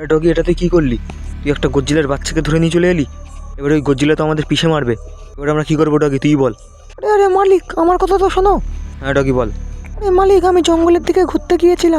আরে ডগি, এটা তুই কী করলি? তুই একটা গজ্জিলার বাচ্চাকে ধরে নিয়ে চলে এলি। এবার ওই গজ্জিলা তো আমাদের পিষে মারবে। এবার আমরা কী করবো ডগি, তুই বল। আরে আরে মালিক, আমার কথা তো শোনো। হ্যাঁ ডগি বল। আরে মালিক, আমি জঙ্গলের দিকে ঘুরতে গিয়েছিলাম,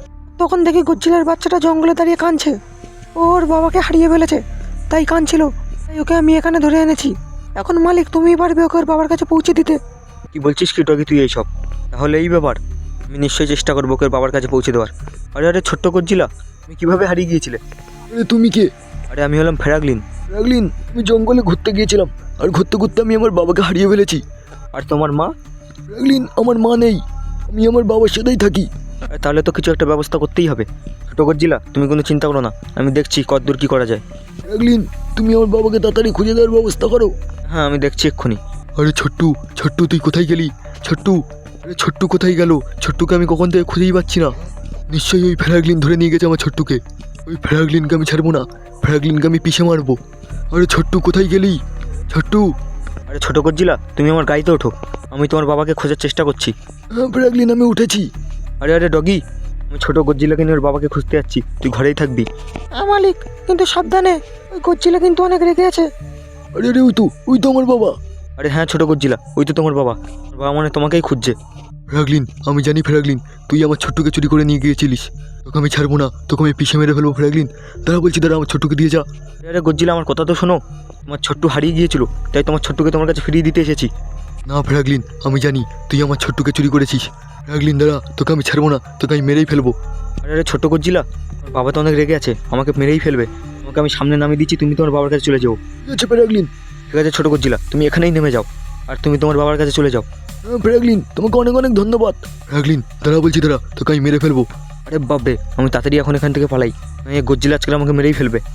তখন দেখি গজ্জিলার বাচ্চাটা জঙ্গলে দাঁড়িয়ে কাঁদছে। ওর বাবাকে হারিয়ে ফেলেছে, তাই কাঁদছিল। তাই ওকে আমি এখানে ধরে এনেছি। এখন মালিক, তুমিই পারবে ওকে ওর বাবার কাছে পৌঁছে দিতে। কি বলছিস কি ডগি তুই এইসব? তাহলে এই ব্যাপার, আমি নিশ্চয়ই চেষ্টা করবো ওকে ওর বাবার কাছে পৌঁছে দেওয়ার। আরে আরে ছোট্ট গজ্জিলা, তুমি কীভাবে হারিয়ে গিয়েছিলে? আরে তুমি কে? আরে আমি হলাম ফেরাগলিন। ফ্র্যাঙ্কলিন, আমি জঙ্গলে ঘুরতে গিয়েছিলাম, আর ঘুরতে ঘুরতে আমি আমার বাবাকে হারিয়ে ফেলেছি। আর তোমার মা? ফ্র্যাঙ্কলিন, আমার মা নেই, আমি আমার বাবার সাথেই থাকি। আরে তাহলে তো কিছু একটা ব্যবস্থা করতেই হবে। ছোটো গজ্জিলা, তুমি কোনো চিন্তা করো না, আমি দেখছি কতদূর কী করা যায়। ফ্র্যাঙ্কলিন, তুমি আমার বাবাকে তাড়াতাড়ি খুঁজে দেওয়ার ব্যবস্থা করো। হ্যাঁ আমি দেখছি এক্ষুনি। আরে ছোট্টু, ছোট্টু তুই কোথায় গেলি? ছোট্টু, আরে ছোট্টু কোথায় গেল? ছোট্টুকে আমি কখন থেকে খুঁজেই পাচ্ছি না। নিশ্চয়ই ওই ফ্র্যাঙ্কলিন ধরে নিয়ে গেছে আমার ছোট্টুকে। ওই ফ্র্যাঙ্কলিনকে আমি ছাড়বো না, ফ্র্যাঙ্কলিনকে আমি পিষে মারবো। আরে ছোট্টু কোথায় গেলি? ছোট্টু। আরে ছোটো গজ্জিলা, তুমি আমার গাড়িতে ওঠো, আমি তোমার বাবাকে খোঁজার চেষ্টা করছি। হ্যাঁ ফ্র্যাঙ্কলিন, আমি উঠেছি। আরে আরে ডগি, আমি ছোটো গজ্জিলাকে নিয়ে ওর বাবাকে খুঁজতে যাচ্ছি, তুই ঘরেই থাকবি। হ্যাঁ মালিক, কিন্তু সাবধানে, ওই গজ্জিলা কিন্তু অনেক রেগে আছে। আরে আরে ওই তো আমার বাবা। আরে হ্যাঁ ছোটো গজ্জিলা, ওই তো তোমার বাবা। তোমার বাবা মানে তোমাকেই খুঁজছে। ফ্র্যাঙ্কলিন, আমি জানি ফ্র্যাঙ্কলিন, তুই আমার ছোট্টুকে চুরি করে নিয়ে গিয়েছিলিস। তোকে আমি ছাড়বো না, তোকে আমি পিষে মেরে ফেলবো ফ্র্যাঙ্কলিন। দাঁড়া বলছি, দাঁড়া, আমার ছোট্টুকে দিয়ে যা। আরে আরে গজ্জিলা, আমার কথা তো শোনো। তোমার ছোট্টু হারিয়ে গিয়েছিল, তাই তোমার ছোট্টুকে তোমার কাছে ফিরিয়ে দিতে এসেছি। না ফ্র্যাঙ্কলিন, আমি জানি তুই আমার ছোট্টুকে চুরি করেছিস। ফ্র্যাঙ্কলিন দাঁড়া, তোকে আমি ছাড়বো না, তোকে আমি মেরেই ফেলবো। আরে আরে ছোটো গজ্জিলা, তোমার বাবা তো অনেক রেগে আছে, আমাকে মেরেই ফেলবে। তোমাকে আমি সামনে নামিয়ে দিচ্ছি, তুমি তোমার বাবার কাছে চলে যাও। ঠিক আছে ফ্র্যাঙ্কলিন। ঠিক আছে ছোটো গজ্জিলা, তুমি এখানেই নেমে যাও, আর তুমি তোমার বাবার কাছে চলে যাও। হ্যাঁ ফ্র্যাঙ্কলিন, তোমাকে অনেক অনেক ধন্যবাদ। ফ্র্যাঙ্কলিন দাঁড়া বলছি, দাঁড়া, তোকে আমি মেরে ফেলবো। আরে বাপরে, আমি তাড়াতাড়ি এখন এখান থেকে পালাই, এই গজ্জিলা আজকাল আমাকে মেরেই ফেলবে।